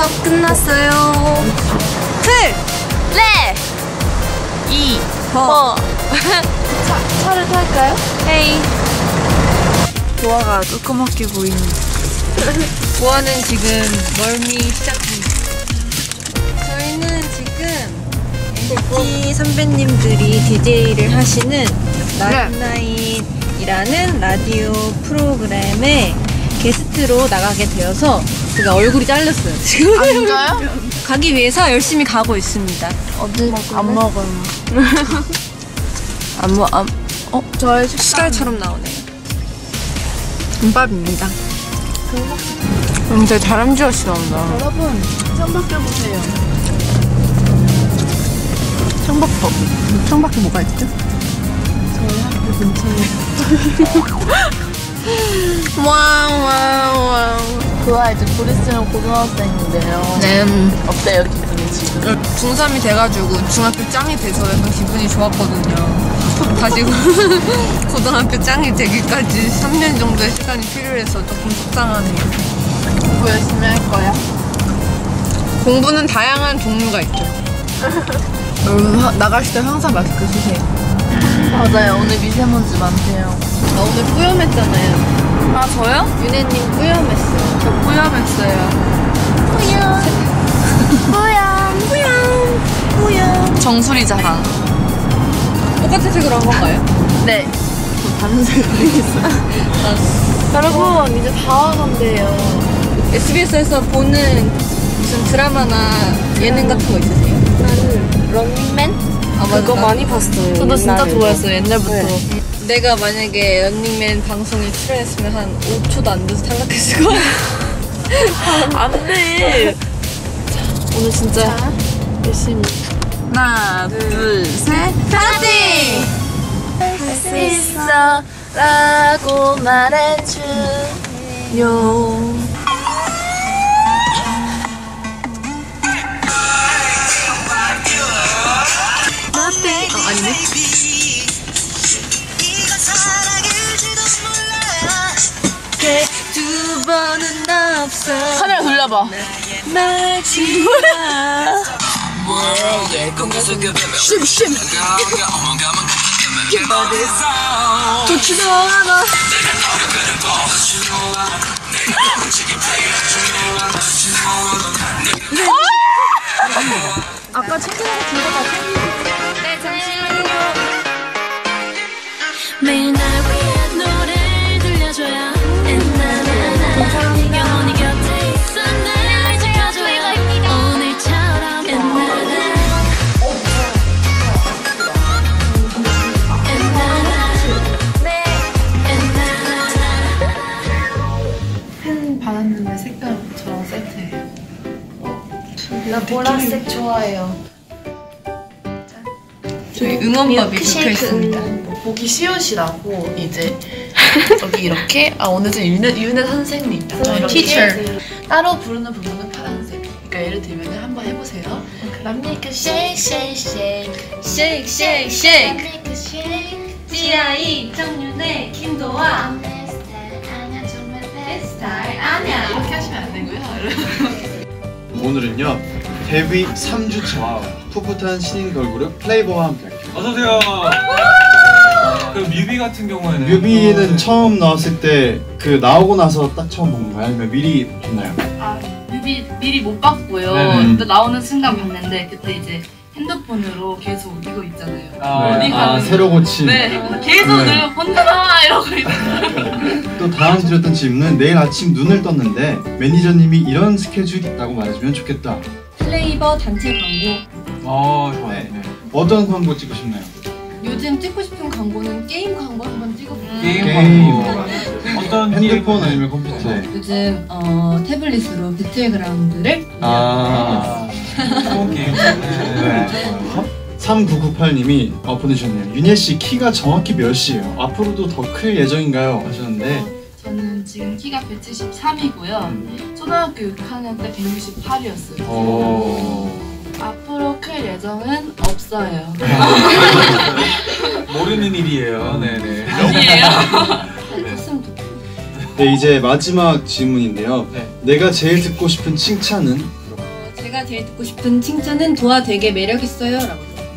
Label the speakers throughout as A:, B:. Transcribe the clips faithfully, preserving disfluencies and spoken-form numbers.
A: 수업 끝났어요. 틀! 레! 이! 버!
B: 차, 차를 탈까요?
A: 헤이.
B: 보아가 조그맣게 보이는.
A: 보아는 지금 멀미 시작합니다. 저희는 지금 엔시티 선배님들이 디제이를 하시는 나잇나잇이라는 라디오 프로그램에 게스트로 나가게 되어서 제가 얼굴이 잘렸어요. 지금
B: 아, 진짜요?
A: 가기 위해서 열심히 가고 있습니다.
B: 어디 안 먹어요.
A: 안 먹, 안, 어?
B: 저의
A: 숟갈처럼 나오네요. 김밥입니다.
B: 음, 되게 다람쥐같이 나온다. 여러분, 창밖에 보세요. 창밖, 어, 창밖에 뭐가 있죠? 저희 학교 근처에. 와우, 와우, 와우. 그와 이제 보리스는 고등학생인데요.
A: 네.
B: 어때요, 기분이 지금?
A: 중삼이 돼가지고 중학교 짱이 돼서 약간 기분이 좋았거든요. 다시 고등학교 짱이 되기까지 삼 년 정도의 시간이 필요해서 조금 속상하네요.
B: 공부 열심히 할 거야?
A: 공부는 다양한 종류가 있죠.
B: 여러분, 하, 나가실 때 항상 마스크 쓰세요. 맞아요, 오늘 미세먼지 많대요.
A: 나 오늘 뿌염했잖아요.
B: 아, 저요?
A: 윤혜님 뿌염했어요.
B: 저 뿌염했어요. 뿌염. 뿌염. 뿌염. 뿌염. 정수리 자랑.
A: 똑같은 색으로 한 건가요?
B: 네. 저 다른 색으로 했어요. 여러분, 이제 다 와간대요.
A: 에스비에스에서 보는 무슨 드라마나 예능 같은 거 있으세요?
C: 나는 런닝맨?
A: 아,
C: 그거
A: 맞아.
C: 많이 봤어요.
B: 저도 진짜
C: 옛날에도.
B: 좋아했어요, 옛날부터.
C: 네.
A: 내가 만약에 런닝맨 방송에 출연했으면 한 오 초도 안 돼서 탈락했을 거야.
B: 안 돼.
C: 오늘 진짜
B: 자.
C: 열심히.
B: 하나, 둘, 셋.
A: 파이팅!
B: 할 수 있어 라고 말해줘요.
A: 어, 아니네. 두 번은 없어.
B: 카메라 돌려봐.
A: 말지 마.
B: 심, 심.
A: 좋지도 않아.
B: 아까 챙기는 거 들고 다
A: 네, 잠시만요.
D: 매일 날 위해 노래를 들려줘요. 엔나나나 영원히 곁에 있어 날 지켜줘요. 오늘처럼 엔나나 엔나나 네 엔나나.
B: 펜 받았는데 색깔 저랑 세트예요.
C: 나 보라색 좋아해요.
A: 저기 응원법이 적혀 있습니다.
B: 보기 쉬우시라고 이제 여기 이렇게 아 오늘 좀 윤혜, 윤혜 선생님 이렇게
A: Teacher.
B: 따로 부르는 부분은 파란색. 그러니까 예를 들면 한번 해보세요. 맘니까 shake shake shake
A: Shake, shake, shake.
B: 맘니까 shake
A: 지아이, 정윤의, 김도아.
B: 내 스타일 아니야 정말 내 스타일 아니야 이렇게 하시면 안 되고요.
E: 오늘은요 데뷔 삼 주차 풋풋한 신인 걸그룹 플레이버와 함께 할게요.
F: 어서오세요. 그럼 뮤비 같은 경우에는
E: 뮤비는
F: 또...
E: 처음 나왔을 때 그 나오고 나서 딱 처음 본 건가요? 아니면 미리 봤나요?
G: 아, 뮤비 미리 못 봤고요.
E: 네네.
G: 근데 나오는 순간 봤는데 그때 이제 핸드폰으로 계속 이거 있잖아요.
F: 아,
G: 어디
E: 아
G: 가는
E: 새로 고친.
G: 네, 계속
E: 네.
G: 늘 본다 이러고 있는.
E: 또 다음 드렸던 질문은 내일 아침 눈을 떴는데 매니저님이 이런 스케줄 있다고 말해주면 좋겠다.
A: 플레이버 단체 광고.
F: 어 좋아요.
E: 네.
F: 네.
E: 어떤 광고 찍고 싶나요?
A: 요즘 찍고 싶은 광고는 게임 광고 한번 찍어볼게요.
F: 게임
E: 게임.
F: 광고. 어떤
E: 핸드폰
F: 게임?
E: 아니면 컴퓨터? 네.
A: 요즘 어, 태블릿으로 배틀그라운드를
E: 아.
F: 좋은 게임.
E: 네. 삼구구팔님이 어, 보내주셨네요. 윤예씨 키가 정확히 몇이에요? 앞으로도 더 클 예정인가요? 하셨는데
G: 저는 지금 키가 백칠십삼이고요. 초등학교 육 학년 때 백육십팔이었어요.
E: 어...
G: 앞으로 클 예정은 없어요.
F: 모르는 일이에요. 네네.
G: 아니에요.
A: 컸으면 좋겠어요.
E: 네, 이제 마지막 질문인데요.
F: 네.
E: 내가 제일 듣고 싶은 칭찬은?
H: 내가 제일 듣고 싶은 칭찬은 도아 되게 매력있어요 라고.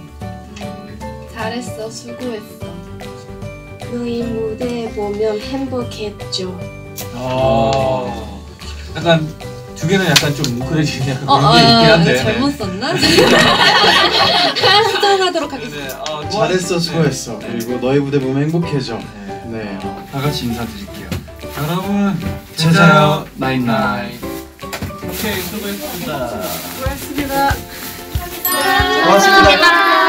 G: 잘했어, 수고했어.
C: 너희 무대 보면 행복했죠.
F: 어. 약간 두 개는 약간 좀 뭉클해지는 약간
H: 어,
F: 그런 게 있긴
H: 어,
F: 한데.
H: 잘못 썼나? 수정하도록 하겠습니다.
F: 네, 어,
E: 잘했어, 수고했어.
F: 네.
E: 그리고 너의 무대 보면 행복해져.
F: 네.
E: 네.
F: 어, 다 같이 인사드릴게요. 여러분,
E: 제자요,
F: 나인 나인. 오케이, 수고했습니다.
E: 고맙습니다.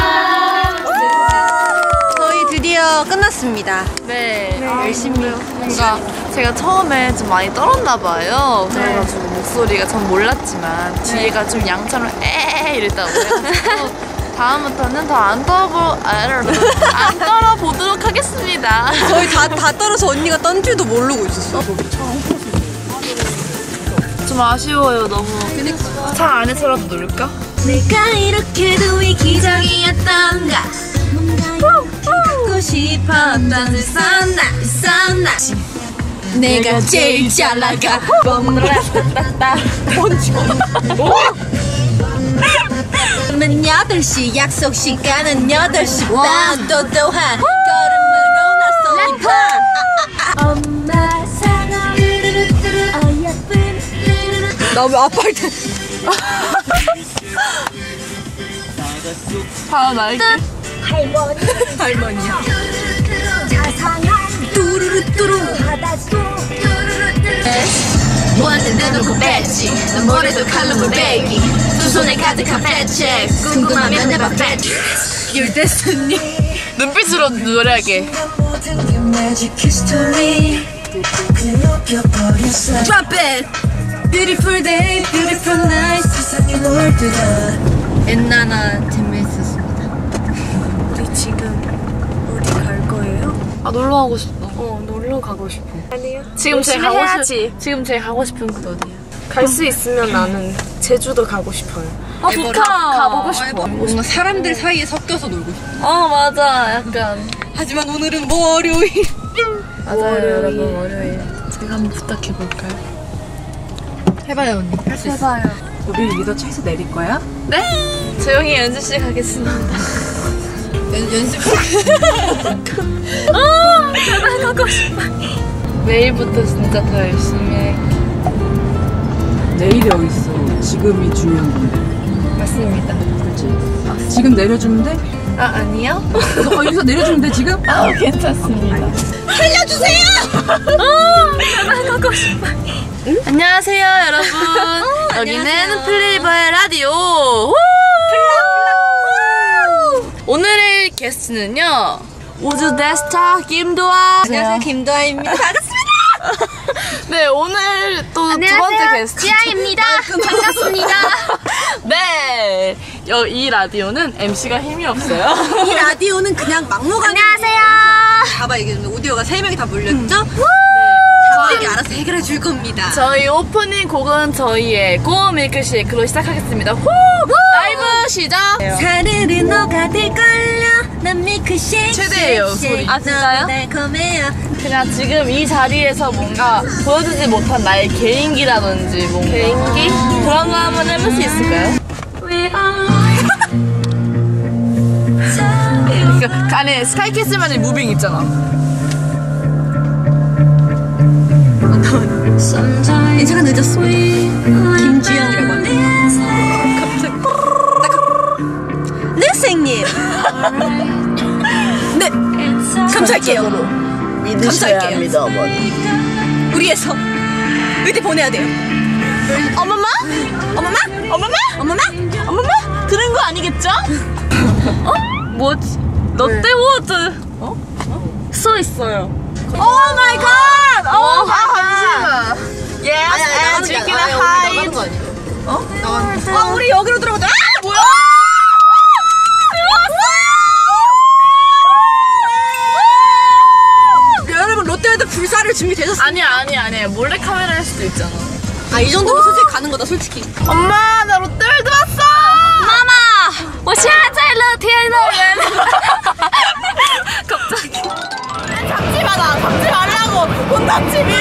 A: 저희 드디어 끝났습니다.
B: 네.
A: 열심히.
B: 뭔가 제가 처음에 좀 많이 떨었나 봐요. 그래가지고 목소리가 전 몰랐지만 뒤에가 좀 양처럼 에 이랬다고 해가지고 다음부터는 더 안 떨어보 안 떨어보도록 하겠습니다.
A: 저희 다, 다 떨어서 언니가 떤 줄도 모르고 있었어.
B: 좀 아쉬워요 너무. 차 안에서라도 놀까?
D: 내가 이렇게도 이기적이었던가 갖고 싶었던 있었나 있었나 내가 제일 잘 나가 그러면 여덟 시 약속 시간은 여덟 시 반 또 또한 걸음으로 나서니까 엄마 사랑 어여쁜
A: 나 왜 아파할 때.
B: 다음 알게.
D: 할머니
A: 할머니야.
D: 자상한 뚜루루뚜루 바다속 무한대 내놓고 뺐지 난 머리도 칼로 베기 두 손에 가득한 배책 궁금하면 내봐 배트 Your destiny
B: 눈빛으로 노래하게.
D: Drop it Beautiful day, beautiful night 세상에 놀듯한
A: 엔나나 재밌었습니다.
C: 우리 지금 어디 갈 거예요?
B: 아 놀러 가고 싶어.
C: 어, 놀러 가고 싶어. 아니요.
B: 지금 제일
C: 열심히
B: 가고
C: 해야지.
B: 싶. 지금 제일 가고 싶은 곳 어디야?
C: 갈 수 있으면 나는 제주도 가고 싶어요.
B: 아 좋다.
C: 가보고 싶어.
A: 뭔가 사람들 사이에 섞여서 놀고 싶어.
B: 어 맞아. 약간.
A: 하지만 오늘은 월요일.
B: 맞아요 여러분 월요일. 제가 한번 부탁해 볼까요?
A: 해봐요 언니. 할 수 있어.
B: 해봐요.
I: 우리 여기서 차에서 내릴 거야?
B: 네? 조용히 연습실 가겠습니다.
A: 연, 연습.
B: 아, 제발 가고 싶어. 내일부터 진짜 더 열심히 해.
I: 내일이 어딨어. 지금이 중요한 건데.
B: 맞습니다.
I: 그렇지. 지금 내려주면 돼?
B: 아 아니요?
I: 어, 여기서 내려주면 돼 지금?
B: 아 괜찮습니다.
A: 살려주세요.
B: 아, 제발 가고 싶어. 응? 안녕하세요 여러분.
A: 어,
B: 여기는
A: 안녕하세요.
B: 플레이버의 라디오. 우! 오늘의 게스트는요 우주 대스타 김도아.
A: 안녕하세요 김도아입니다. 반갑습니다.
B: 네 오늘 또 두 번째 게스트
D: 지아입니다. 반갑습니다.
B: 네, 여, 이 라디오는 엠씨가 힘이 없어요.
A: 이 라디오는 그냥 막무가내.
D: 안녕하세요.
A: 봐봐 이게 오디오가 세 명이 다 몰렸죠? 네. 자막이 알아서 해결해 줄 겁니다.
B: 저희 오프닝 곡은 저희의 고 밀크쉐이크로 시작하겠습니다. 후! 라이브 시작!
D: 사르르 녹아들걸요 난 밀크쉐이크
B: 최대예요, 소리. 아, 진짜요?
D: 달콤해요
B: 그냥 지금 이 자리에서 뭔가 보여주지 못한 나의 개인기라든지 뭔가 개인기? 그런 거 한번 해볼 수 있을까요? 그 안에 스카이캐슬만의 무빙 있잖아.
A: 인사가 늦었습니다. 김주영이라고 합니다. 갑자기 네 선생님. 네 감사할게요. 감사할게요.
B: 합니다, 어머니.
A: 우리에서 의대 보내야 돼요.
B: 어머마? 어머마? 어머마? 어머마? 어머마? 들은 거 아니겠죠? 어? 뭐지? 롯데워드 어? 어? 써 있어요. 오 마이 갓! 오 마이 갓! Yes, and drinking a high.
A: 어? 나가는 거. 아 우리 여기로 들어가자. 아 뭐야? 여러분 롯데월드 불사를 준비되셨어요?
B: 아니야 아니야 아니야 몰래 카메라 할 수도 있잖아.
A: 아 이 정도면 솔직히 가는 거다 솔직히.
B: 엄마 나 롯데월드 왔어. 마마, 我现在在乐天乐园. 갑자기. 잡지 마 나 잡지 말라고. 혼났지 미.